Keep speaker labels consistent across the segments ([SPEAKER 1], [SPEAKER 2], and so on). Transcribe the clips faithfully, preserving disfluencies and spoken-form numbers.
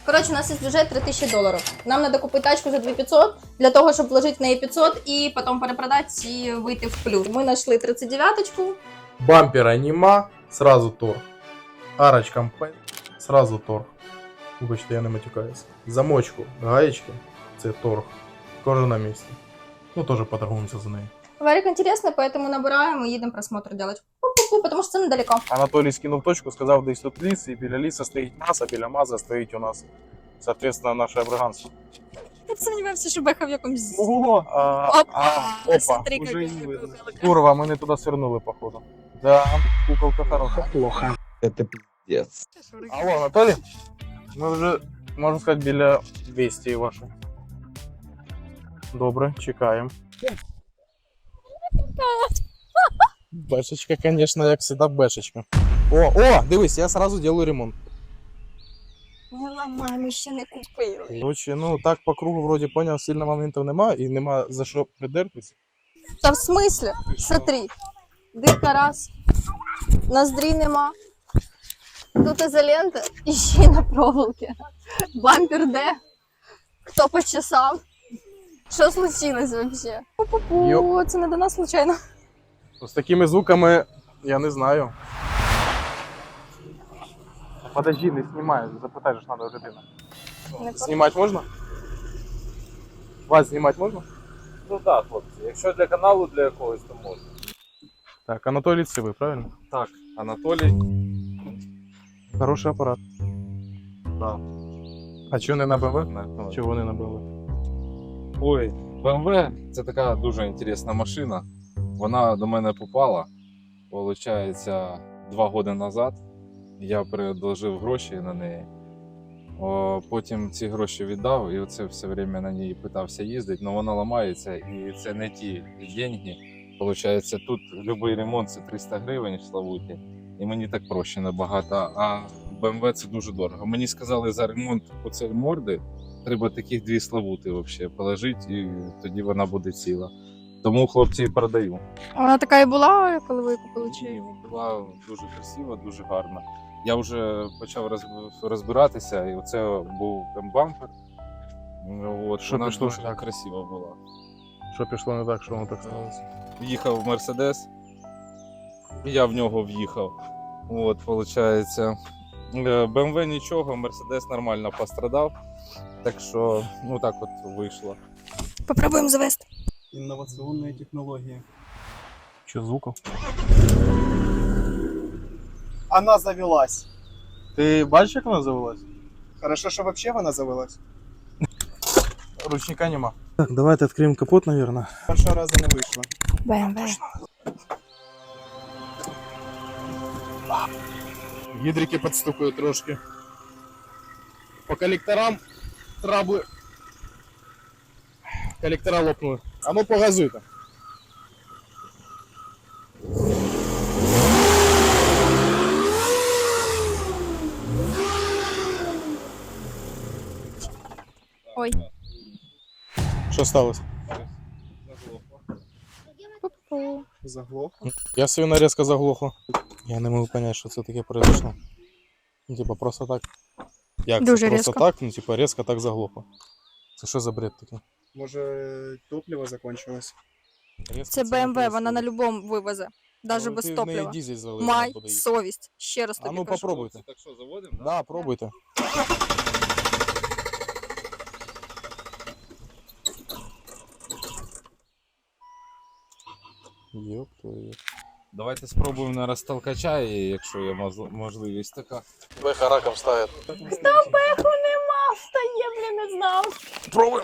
[SPEAKER 1] Коротше, у нас є бюджет три тисячі доларів. Нам треба купити тачку за дві тисячі п'ятсот, для того, щоб вложити в неї п'ятсот і потім перепродати і вийти в плюс. Ми знайшли тридцять дев'яточку.
[SPEAKER 2] Бампера нема, сразу торг. Арочка мпе, сразу торг. Вибачте, я не матюкаюсь. Замочку, гаєчки, це торг. Кожен на місці. Ну, теж поторгуємося за неї.
[SPEAKER 1] Варик інтересно, поэтому набираємо і їдемо просмотр делать. Пу-пу-пу, тому що це недалеко.
[SPEAKER 2] Анатолій скинув точку, сказав, десь тут ліс, і біля ліса стоїть маса, біля маза стоїть у нас, соответственно, наше бриганство.
[SPEAKER 1] Я сумнівався, що Беха в якомусь...
[SPEAKER 2] Ого! А,
[SPEAKER 1] Опа!
[SPEAKER 2] а, опа,
[SPEAKER 1] Смотри,
[SPEAKER 2] уже
[SPEAKER 1] какой
[SPEAKER 2] не видно.
[SPEAKER 1] куколка.
[SPEAKER 2] Курва, ми не туди свернули, походу. Да, куколка хороша.
[SPEAKER 3] Плохо. Это пиздец.
[SPEAKER 2] Алло, Анатолій? Ми вже, можна сказати, біля двісті вашої. Добре, чекаємо. Бешечка, конечно, як всегда, бешечка. О, о, дивись, я сразу делаю ремонт.
[SPEAKER 1] Не ламай, ми ще не купили.
[SPEAKER 2] Короче, ну так по кругу вроді поняв, сильно моментів нема і нема за що придертися.
[SPEAKER 1] Та в смислі? Смотри. Дирка раз. Ноздрій нема. Тут ізолента і ще й на проволоки. Бампер де? Хто почесав? Що случилось вообще? Пу-пу-пу,
[SPEAKER 2] Йоп.
[SPEAKER 1] це не до нас случайно.
[SPEAKER 2] З такими звуками я не знаю. Подожди, не знімай, запитай, що треба людина.
[SPEAKER 1] Не
[SPEAKER 2] Знімати можна? Вас знімати можна?
[SPEAKER 4] Ну так, хлопці, якщо для каналу для якогось, то можна.
[SPEAKER 2] Так, Анатолій Цивий, правильно?
[SPEAKER 4] Так, Анатолій.
[SPEAKER 2] Хороший апарат.
[SPEAKER 4] Да.
[SPEAKER 2] А чого не на БМВ?
[SPEAKER 4] На-
[SPEAKER 2] Чого не на БМВ?
[SPEAKER 4] Ой, бе ем ве це така дуже інтересна машина. Вона до мене попала, виходить, два роки назад. Я предложив гроші на неї. О, потім ці гроші віддав і оце все время на ній питався їздити, але вона ламається і це не ті деньги. Получається, тут будь-який ремонт це триста гривень славуті, і мені так проще набагато, а бе ем ве це дуже дорого. Мені сказали, за ремонт оцеї морди треба таких дві славути взагалі положити, і тоді вона буде ціла. Тому хлопці і продаю.
[SPEAKER 1] Вона така і була, коли ви купили
[SPEAKER 4] Ні, була дуже красива, дуже гарна. Я вже почав роз- розбиратися, і оце був бампер. От,
[SPEAKER 2] Що
[SPEAKER 4] вона
[SPEAKER 2] пішло
[SPEAKER 4] дуже
[SPEAKER 2] не так?
[SPEAKER 4] красива була.
[SPEAKER 2] Що пішло не так, що воно так сталося?
[SPEAKER 4] В'їхав в Мерседес, я в нього в'їхав. От, виходить. бе ем ве нічого, Мерседес нормально пострадав. Так що, ну так от вийшло.
[SPEAKER 1] Попробуємо завести.
[SPEAKER 3] Инновационные технологии.
[SPEAKER 2] Що звуков?
[SPEAKER 3] Она завелась.
[SPEAKER 2] Ти бачиш, як вона завелась?
[SPEAKER 3] Хорошо, что вообще она завелась.
[SPEAKER 2] Ручника нема. Так, давайте відкриємо капот, наверное.
[SPEAKER 3] Першого разу не вийшло.
[SPEAKER 1] бе ем ве.
[SPEAKER 2] Гідрики підстукують трошки. По колекторам трабли. Колектора лопнули. А ну погазуйте.
[SPEAKER 1] Ой.
[SPEAKER 2] Що сталося?
[SPEAKER 1] Пу-пу.
[SPEAKER 3] Заглохло.
[SPEAKER 2] Я свою нарезка заглохла. Я не можу зрозуміти, що це таке произошло. Ну, типа, просто так. Як
[SPEAKER 1] Дуже
[SPEAKER 2] це? Просто
[SPEAKER 1] різко.
[SPEAKER 2] так, ну, типа, резко так заглохло. Це що за бред такий?
[SPEAKER 3] Може, топливо закончилось?
[SPEAKER 2] Резко
[SPEAKER 1] Це
[SPEAKER 2] не
[SPEAKER 1] бе ем ве, вона
[SPEAKER 2] происходит.
[SPEAKER 1] на любому вивезе. Навіть
[SPEAKER 2] Ну,
[SPEAKER 1] без
[SPEAKER 2] ти в неї
[SPEAKER 1] топлива.
[SPEAKER 2] дизель залив,
[SPEAKER 1] Май
[SPEAKER 2] вона буде їсти.
[SPEAKER 1] совість. Ще раз
[SPEAKER 2] А
[SPEAKER 1] тобі
[SPEAKER 2] ну
[SPEAKER 1] кажу.
[SPEAKER 2] попробуйте.
[SPEAKER 4] Так що, заводимо?
[SPEAKER 2] Да, пробуйте. Ёп твою.
[SPEAKER 4] Давайте спробуємо на розтолкача, і якщо є мозл- можливість така.
[SPEAKER 2] Беха раком ставит.
[SPEAKER 1] Беху нема, встає, блін, не знав.
[SPEAKER 2] Пробуем.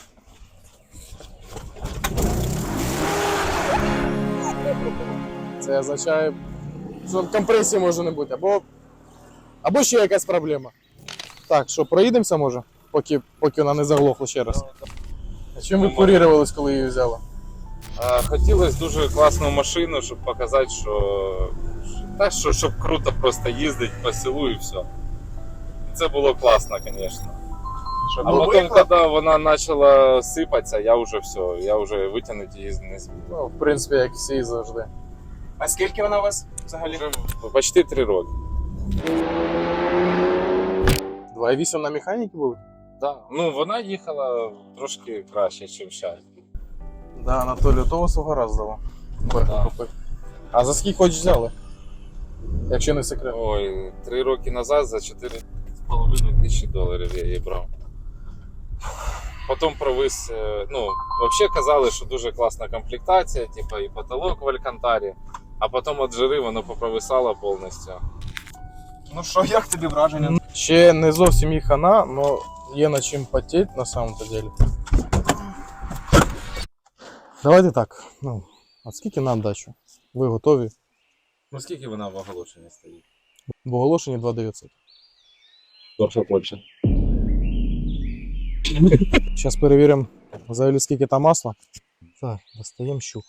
[SPEAKER 2] Це означає, що компресії може не бути, або, або ще якась проблема. Так, що, проїдемося може, поки, поки вона не заглохла ще раз. А чим ви курірувались, коли її взяли?
[SPEAKER 4] А, хотілося дуже класну машину, щоб показати, що, та, що щоб круто просто їздити по селу і все. Це було класно, звісно. А потім, коли вона почала сипатися, я вже все, я вже витягнути її не зміг.
[SPEAKER 2] Ну, в принципі, як всі завжди.
[SPEAKER 3] А скільки вона у вас взагалі?
[SPEAKER 4] Вже почти три роки.
[SPEAKER 2] два і вісім на механіки були?
[SPEAKER 4] Да. Ну, вона їхала трошки краще, ніж зараз.
[SPEAKER 2] Да, Анатолію, то вас угораздило.
[SPEAKER 4] Да.
[SPEAKER 2] Купити. А за скільки хоч взяли? Якщо не секрет.
[SPEAKER 4] Ой, три роки назад за чотири з половиною тисячі доларів я її брав. Потім провис, е, ну, взагалі казали, що дуже класна комплектація, типу і потолок в Алькантарі, а потім от жири воно попровисало повністю.
[SPEAKER 3] Ну що, як тобі враження?
[SPEAKER 2] Ще не зовсім їх хана, але є над чим потеть на самом-то деле. Давайте так. Ну, а скільки на дачу? Ви готові?
[SPEAKER 4] Ну скільки вона в оголошенні стоїть?
[SPEAKER 2] В оголошенні два дев'ятсот.
[SPEAKER 4] Торша Польща.
[SPEAKER 2] Зараз перевіримо взагалі скільки там масла. Так, достаємо щук.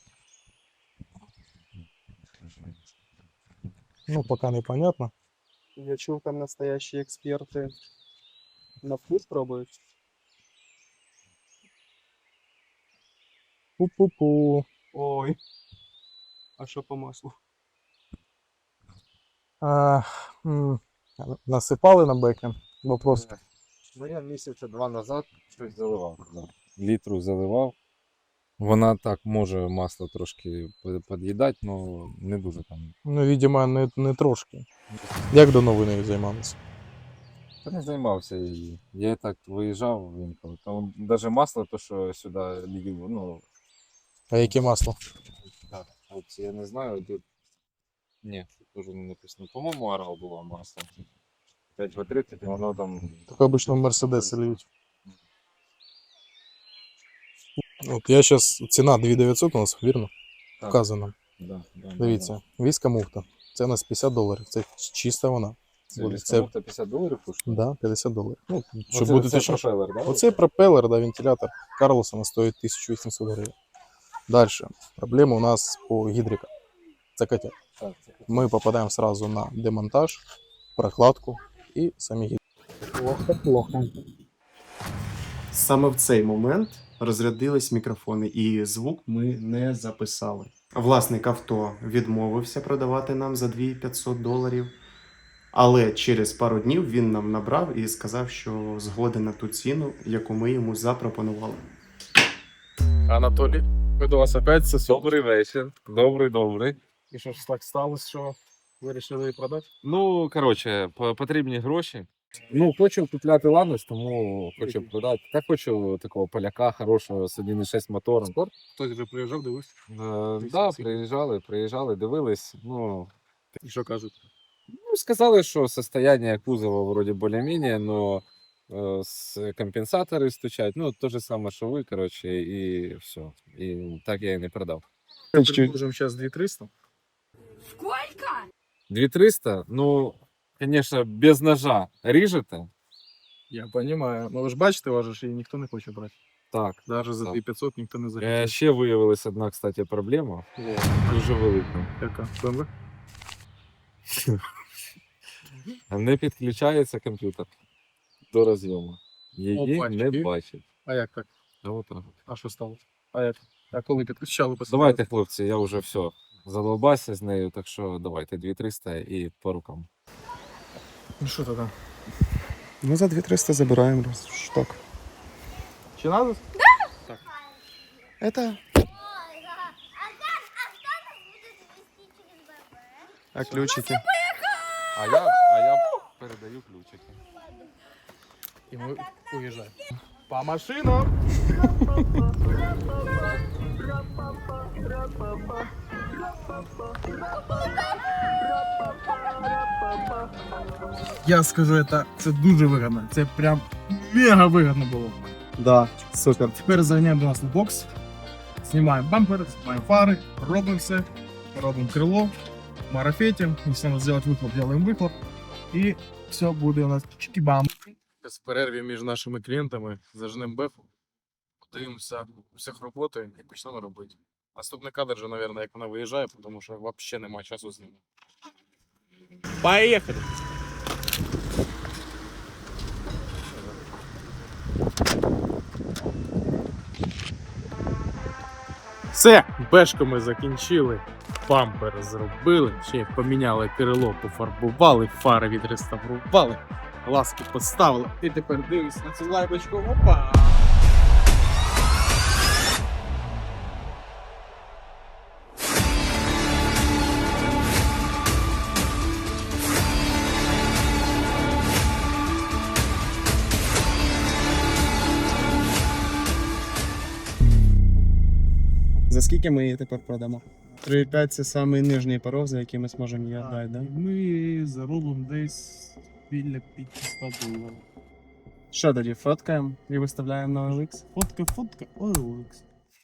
[SPEAKER 2] Ну, поки не понятно.
[SPEAKER 3] Я чув, там настоящі експерти на вкус пробують.
[SPEAKER 2] Пу-пу-пу.
[SPEAKER 3] Ой. А що по маслу?
[SPEAKER 2] А, м, насипали на бекен. Вопрос.
[SPEAKER 4] Ну я місяця два назад щось заливав. Да. Літру заливав. Вона так може масло трошки під'їдати, але не дуже там.
[SPEAKER 2] Ну, видимо, не, не трошки. Як давно ви нею займалися?
[SPEAKER 4] Я не займався її. Я і так виїжджав інколи. Там навіть масло, то що сюди лів, ну.
[SPEAKER 2] А яке масло?
[SPEAKER 4] Так, от я не знаю, тут. Ні, тут теж не написано. По-моєму, Арал було масло. п'ять в тридцять, і воно там.
[SPEAKER 2] Так обычно в Мерседеси льють. От я зараз, ціна дві дев'ятсот у нас, вірно?
[SPEAKER 4] Так.
[SPEAKER 2] Вказано.
[SPEAKER 4] Да, да,
[SPEAKER 2] Дивіться, віска муфта. Це у нас п'ятдесят доларів. Це чиста вона.
[SPEAKER 4] Це,
[SPEAKER 2] Буде.
[SPEAKER 4] це...
[SPEAKER 2] Це,
[SPEAKER 4] п'ятдесят доларів коштує?
[SPEAKER 2] да, п'ятдесят доларів. Ну, щоб
[SPEAKER 4] Оце-
[SPEAKER 2] бути
[SPEAKER 4] це
[SPEAKER 2] точніше.
[SPEAKER 4] пропелер, да?
[SPEAKER 2] Оцей пропелер, да, вентилятор Карлосона стоїть тисяча вісімсот гривень. Далі. Проблема у нас по гідрикам. Це котя.
[SPEAKER 4] Так, це...
[SPEAKER 2] Ми попадаємо сразу на демонтаж, прокладку і самі гідрики.
[SPEAKER 3] Плохо, плохо. Саме в цей момент розрядились мікрофони, і звук ми не записали. Власник авто відмовився продавати нам за дві тисячі п'ятсот доларів, але через пару днів він нам набрав і сказав, що згоден на ту ціну, яку ми йому запропонували.
[SPEAKER 2] Анатолій, ми до вас опять це
[SPEAKER 4] Добрий вечір. Добрий, добрий.
[SPEAKER 2] І що ж так сталося, що ви вирішили її продати?
[SPEAKER 4] Ну, коротше, по- потрібні гроші. Ну, хочу купляти Ланос, тому хочу продати. Та хочу такого поляка хорошого з один і шість мотором.
[SPEAKER 2] Спорт? Хтось вже приїжджав, дивився?
[SPEAKER 4] Так, да, приїжджали, приїжджали, дивились. Ну,
[SPEAKER 2] І що кажуть?
[SPEAKER 4] ну, сказали, що состояние кузова вроде более-менее, но э, с компенсаторы стучать. Ну, то же самое, что вы, короче, и все. И так я и не продав.
[SPEAKER 2] Предложимо зараз дві триста.
[SPEAKER 4] дві триста, ну, конечно, без ножа ріжете.
[SPEAKER 2] Я розумію. Ну ви ж бачите, вас же ж її ніхто не хоче брати.
[SPEAKER 4] Так.
[SPEAKER 2] Навіть за
[SPEAKER 4] Так.
[SPEAKER 2] дві п'ятсот ніхто не
[SPEAKER 4] Е,
[SPEAKER 2] захоче.
[SPEAKER 4] ще виявилась одна, кстати, проблема. Дуже велика.
[SPEAKER 2] Яка? Б М В?
[SPEAKER 4] Не підключається комп'ютер до розйому. Її
[SPEAKER 2] Опачки.
[SPEAKER 4] не бачить.
[SPEAKER 2] А як так?
[SPEAKER 4] Та отак.
[SPEAKER 2] А що сталося? А як? А коли підключали?
[SPEAKER 4] Давайте, хлопці, я вже все задолбався з нею, так що давайте дві триста і по рукам.
[SPEAKER 2] Ну що тоді?
[SPEAKER 3] Ну, за дві триста забираємо шток.
[SPEAKER 2] Чи надо?
[SPEAKER 3] Это... А ключики?
[SPEAKER 4] А я, а я передаю ключики.
[SPEAKER 2] І ми уїжджаємо. По машинам! Я скажу, це, це дуже вигідно. Це прям мега вигідно було.
[SPEAKER 3] Да, супер.
[SPEAKER 2] Тепер заганяємо до нас на бокс, знімаємо бампер, знімаємо фари, робимо все, робимо крило, марафетим, якщо треба зробити вихлоп, робимо вихлоп, і все буде у нас чики-бам. З перерві між нашими клієнтами зажнемо бефу, подивимося всіх роботи і почнемо робити. Наступний кадр вже, мабуть, як вона виїжджає, тому що взагалі немає часу знімати. Поїхали! Все, бешку ми закінчили, бампер зробили, ще й поміняли крило, пофарбували, фари відреставрували.
[SPEAKER 5] Ласку поставили. І тепер дивись на цю лайбочку. Опа!
[SPEAKER 6] За скільки ми її тепер продамо? три п'ять це самий нижній порог, за який ми зможемо її віддати, да?
[SPEAKER 5] Ми заробимо десь біля п'ятсот доларів.
[SPEAKER 6] Що тоді, фоткаємо і виставляємо на о ел ікс?
[SPEAKER 5] Фотка, фотка, о ел ікс.